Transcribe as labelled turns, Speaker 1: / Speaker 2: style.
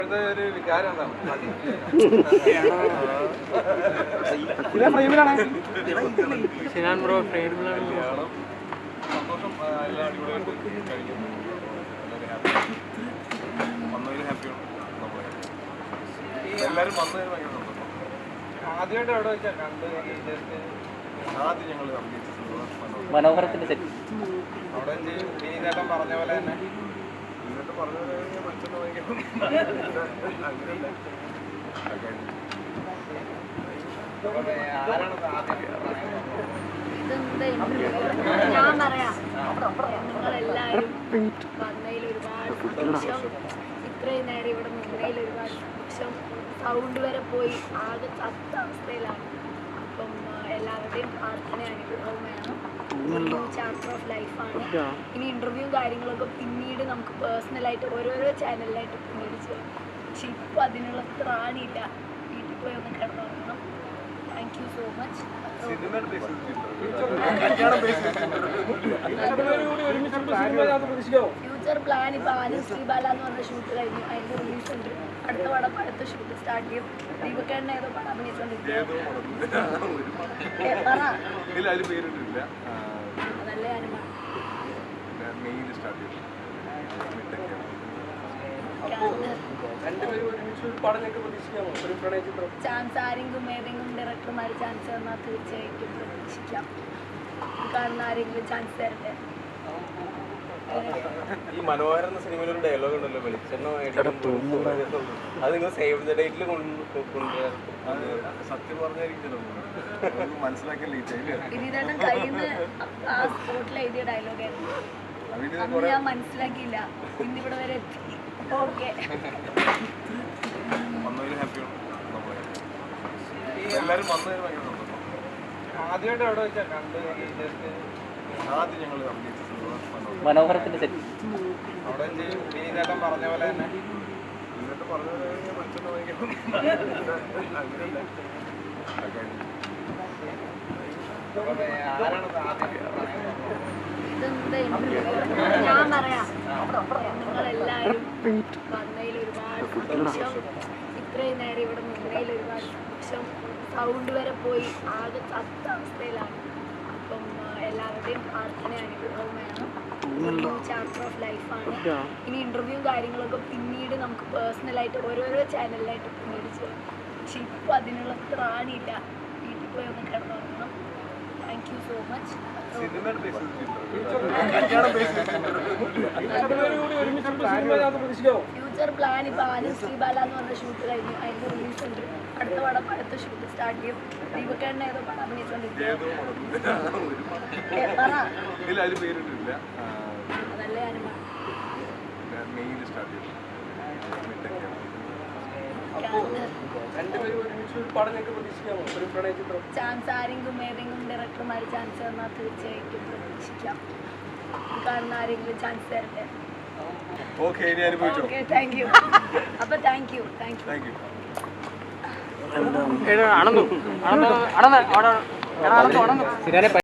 Speaker 1: ഒരു വികാരം എന്താണ്? സന്തോഷം എല്ലാം അടിപൊളിയായിട്ട് കഴിക്കും. വന്നതിൽ ഹാപ്പിയാണ്. എല്ലാവരും വന്നതിന് ഭയങ്കര സന്തോഷം. ആദ്യമായിട്ട് എവിടെ വെച്ചാൽ കണ്ട് ആദ്യം ഞങ്ങൾ
Speaker 2: മനോഹരത്തിന്റെ സെറ്റ്
Speaker 1: അവിടെ ചേട്ടൻ പറഞ്ഞ പോലെ തന്നെ പറഞ്ഞ പോലെ മനുഷ്യന് ഭയങ്കര
Speaker 3: ഞാൻ പറയാം, നിങ്ങളെല്ലാവരും വന്നതിൽ ഒരുപാട് സന്തോഷം. ഇത്രയും നേരം ഇവിടെ നിന്നതിൽ ഒരുപാട് സന്തോഷം. സൗണ്ട് വരെ പോയി ആകെ ചത്ത അവസ്ഥയിലാണ്. അപ്പം എല്ലാവരുടെയും പ്രാർത്ഥന അനുഗ്രഹവും വേണം. ചാപ്റ്റർ ഓഫ് ലൈഫാണ്. ഇനി ഇന്റർവ്യൂ കാര്യങ്ങളൊക്കെ പിന്നീട് നമുക്ക് പേഴ്സണലായിട്ട് ഓരോരോ ചാനലിലായിട്ട് പിന്നീട് ചെയ്യാം. പക്ഷെ ഇപ്പോൾ അതിനുള്ള ത്രാണിയില്ല. വീട്ടിൽ പോയി ഒന്ന് കിടന്നുറങ്ങണം. Thank you so much. Future plan ഇപ്പോൾ ആനന്ദ് ശ്രീബാല എന്ന് പറഞ്ഞ ഷൂട്ട് കഴിഞ്ഞു. അതിൻ്റെ റിലീസ് ഉണ്ട്. അടുത്ത പടം അടുത്ത ഷൂട്ട് സ്റ്റാർട്ട് ചെയ്യും. ദീപക്കേട്ടനെ ഏതോ പടം അഭിനയിച്ചുകൊണ്ടിരിക്കും. അതല്ലേ അനുമാനം. ചാൻസ് ആരെങ്കിലും ഏതെങ്കിലും ഡയറക്ടർമാർ ചാൻസ് തന്നാൽ തീർച്ചയായിട്ടും പ്രതീക്ഷിക്കാം. കാണുന്ന ആരെങ്കിലും ചാൻസ് തരട്ടെ.
Speaker 1: ഈ മനോഹര എന്ന സിനിമയിൽ ഒരു ഡയലോഗ് ഉണ്ടല്ലോ, വെളിച്ചെണ്ണമായിട്ട് അത് നിങ്ങൾ സേവ് ദ ഡേറ്റിൽ സത്യം പറഞ്ഞായിരിക്കും മനസ്സിലാക്കിയ
Speaker 3: വിനീതേട്ടൻ കയ്യിൽ നിന്ന് ആ സ്പോട്ടിൽ എഴുതിയ ഡയലോഗായിരുന്നു. അന്ന് ഞാൻ മനസ്സിലാക്കിയില്ല. ഇന്നിവിടെ വരെ എത്തി. ഓക്കെ,
Speaker 1: വന്നതിൽ ഹാപ്പിയാണ്. എല്ലാവരും വന്നതിന് ഭയങ്കര സന്തോഷം. ആദ്യമായിട്ട് എവിടെ വെച്ചാൽ കണ്ട് ആദ്യം ഞങ്ങൾ
Speaker 2: മനോഹരത്തിന്റെ സെറ്റ്
Speaker 1: അവിടെ ചേട്ടൻ പറഞ്ഞ പോലെ തന്നെ പറഞ്ഞ പോലെ മനുഷ്യന് ഭയങ്കര
Speaker 3: ഞാൻ പറയാം, നിങ്ങളെല്ലാവരും വന്നതിൽ ഒരുപാട് സന്തോഷം. ഇത്രയും നേരം ഇവിടെ നിന്നതിൽ ഒരുപാട് സന്തോഷം. സൗണ്ട് വരെ പോയി ആകെ ചത്ത അവസ്ഥയിലാണ്. അപ്പം എല്ലാവരുടെയും പ്രാർത്ഥന അനുഗ്രഹവും വേണം. ചാപ്റ്റർ ഓഫ് ലൈഫാണ്. ഇനി ഇന്റർവ്യൂ കാര്യങ്ങളൊക്കെ പിന്നീട് നമുക്ക് പേഴ്സണലായിട്ട് ഓരോരോ ചാനലിലായിട്ട് പിന്നീട് ചെയ്യാം. പക്ഷെ ഇപ്പോൾ അതിനുള്ള ത്രാണിയില്ല. വീട്ടിൽ പോയി ഒന്ന് കിടന്നുറങ്ങണം. Thank you so much. Future plan ഇപ്പോൾ ആനന്ദ് ശ്രീബാല എന്ന് പറഞ്ഞ ഷൂട്ട് കഴിഞ്ഞു. അതിൻ്റെ റിലീസ് ഉണ്ട്. അടുത്ത പടം അടുത്ത ഷൂട്ട് സ്റ്റാർട്ട് ചെയ്യും. ദീപക്കേട്ടനെ ഏതോ പടം അഭിനയിച്ചുകൊണ്ടിരിക്കും. അതല്ലേ അനുമാനം. ചാൻസ് ആരെങ്കിലും ഏതെങ്കിലും ഡയറക്ടർമാർ ചാൻസ് തന്നാൽ തീർച്ചയായിട്ടും പ്രതീക്ഷിക്കാം. കാണുന്ന ആരെങ്കിലും ചാൻസ് തരട്ടെ.
Speaker 1: Okay,
Speaker 3: thank you. അപ്പൊ താങ്ക് യു.
Speaker 2: ആണെന്നു